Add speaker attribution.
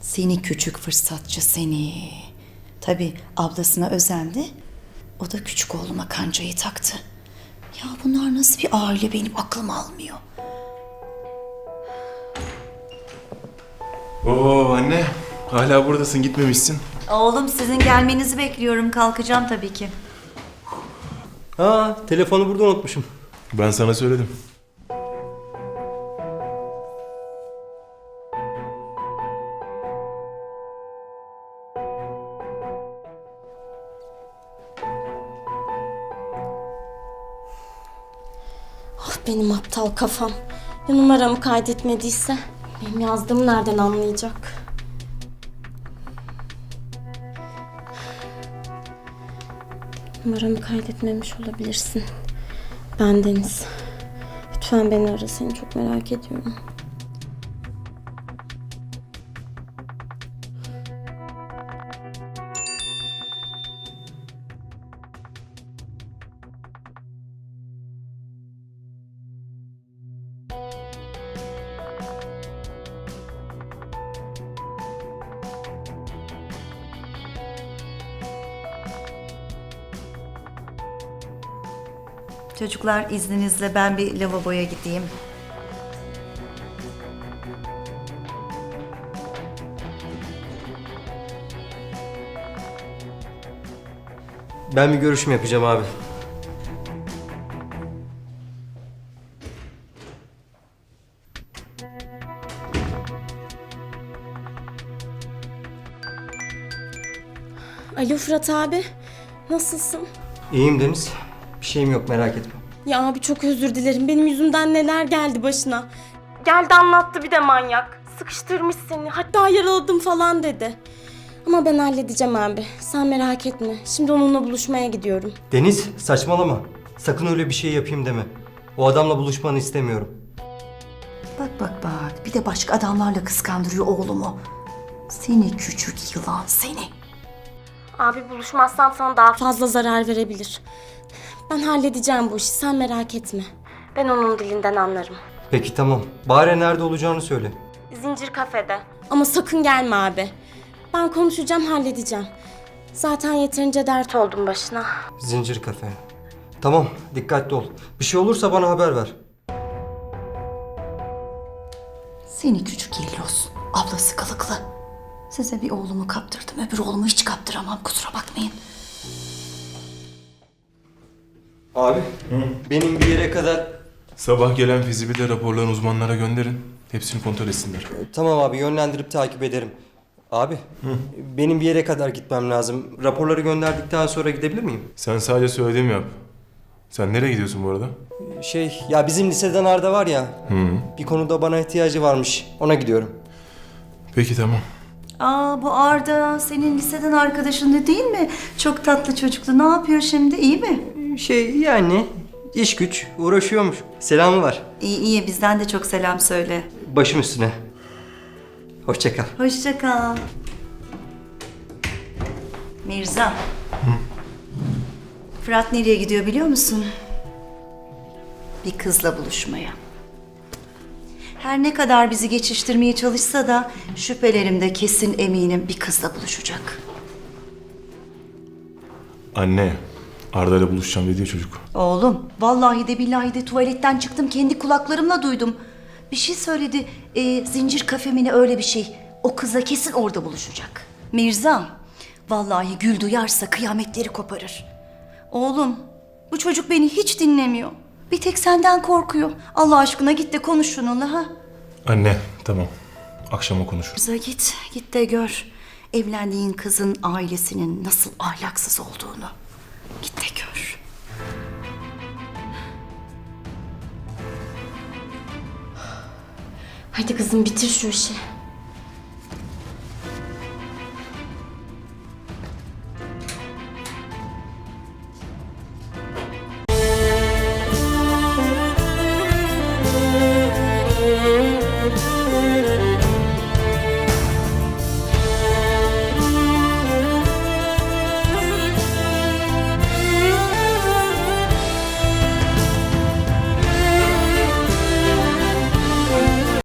Speaker 1: Seni küçük fırsatçı seni. Tabii ablasına özendi. O da küçük oğluma kancayı taktı. Ya bunlar nasıl bir aile, benim aklım almıyor.
Speaker 2: Oo anne, hala buradasın, gitmemişsin.
Speaker 1: Oğlum sizin gelmenizi bekliyorum. Kalkacağım tabii ki.
Speaker 3: Ha, telefonu burada unutmuşum.
Speaker 2: Ben sana söyledim.
Speaker 4: Ah benim aptal kafam. Ya numaramı kaydetmediyse benim yazdığımı nereden anlayacak? Numaramı kaydetmemiş olabilirsin. Ben Deniz. Lütfen beni ara, seni çok merak ediyorum.
Speaker 1: Çocuklar izninizle ben bir lavaboya gideyim.
Speaker 3: Ben bir görüşme yapacağım abi.
Speaker 4: Alo Fırat abi. Nasılsın?
Speaker 3: İyiyim Deniz. Bir şeyim yok, merak etme.
Speaker 4: Ya abi çok özür dilerim. Benim yüzümden neler geldi başına. Geldi anlattı bir de manyak. Sıkıştırmış seni. Hatta yaraladım falan dedi. Ama ben halledeceğim abi. Sen merak etme. Şimdi onunla buluşmaya gidiyorum.
Speaker 3: Deniz, saçmalama. Sakın öyle bir şey yapayım deme. O adamla buluşmanı istemiyorum.
Speaker 1: Bak. Bir de başka adamlarla kıskandırıyor oğlumu. Seni küçük yılan seni.
Speaker 4: Abi buluşmazsan sana daha fazla zarar verebilir. Ben halledeceğim bu işi. Sen merak etme. Ben onun dilinden anlarım.
Speaker 3: Peki tamam. Bari nerede olacağını söyle.
Speaker 4: Zincir kafede. Ama sakın gelme abi. Ben konuşacağım, halledeceğim. Zaten yeterince dert oldum başına.
Speaker 3: Zincir kafe. Tamam, dikkatli ol. Bir şey olursa bana haber ver.
Speaker 1: Seni küçük yelloz. Ablası kılıklı. Size bir oğlumu kaptırdım. Öbür oğlumu hiç kaptıramam. Kusura bakmayın.
Speaker 3: Abi, benim bir yere kadar...
Speaker 2: Sabah gelen fizibilite raporlarını uzmanlara gönderin. Hepsini kontrol etsinler.
Speaker 3: Tamam abi, yönlendirip takip ederim. Abi, benim bir yere kadar gitmem lazım. Raporları gönderdikten sonra gidebilir miyim?
Speaker 2: Sen sadece söylediğimi yap. Sen nereye gidiyorsun bu arada?
Speaker 3: Ya bizim liseden Arda var ya. Bir konuda bana ihtiyacı varmış. Ona gidiyorum.
Speaker 2: Peki tamam.
Speaker 1: Aa, bu Arda senin liseden arkadaşın değil mi? Çok tatlı çocuktu. Ne yapıyor şimdi? İyi mi?
Speaker 3: Yani iş güç uğraşıyormuş. Selamı var.
Speaker 1: İyi. Bizden de çok selam söyle.
Speaker 3: Başım üstüne. Hoşça kal.
Speaker 1: Hoşça kal. Mirza. Fırat nereye gidiyor biliyor musun? Bir kızla buluşmaya. Her ne kadar bizi geçiştirmeye çalışsa da şüphelerimde kesin eminim bir kızla buluşacak.
Speaker 2: Anne, Arda ile buluşacağım dedi ya çocuk.
Speaker 1: Oğlum, vallahi de billahi de tuvaletten çıktım, kendi kulaklarımla duydum. Bir şey söyledi, zincir kafemine öyle bir şey. O kızla kesin orada buluşacak. Mirza, vallahi Gül duyarsa kıyametleri koparır. Oğlum, bu çocuk beni hiç dinlemiyor. Bir tek senden korkuyor. Allah aşkına git de konuş şununla ha.
Speaker 2: Anne, tamam. Akşama konuşuruz.
Speaker 1: Mirza git de gör. Evlendiğin kızın ailesinin nasıl ahlaksız olduğunu. Git de gör.
Speaker 4: Hadi kızım bitir şu işi.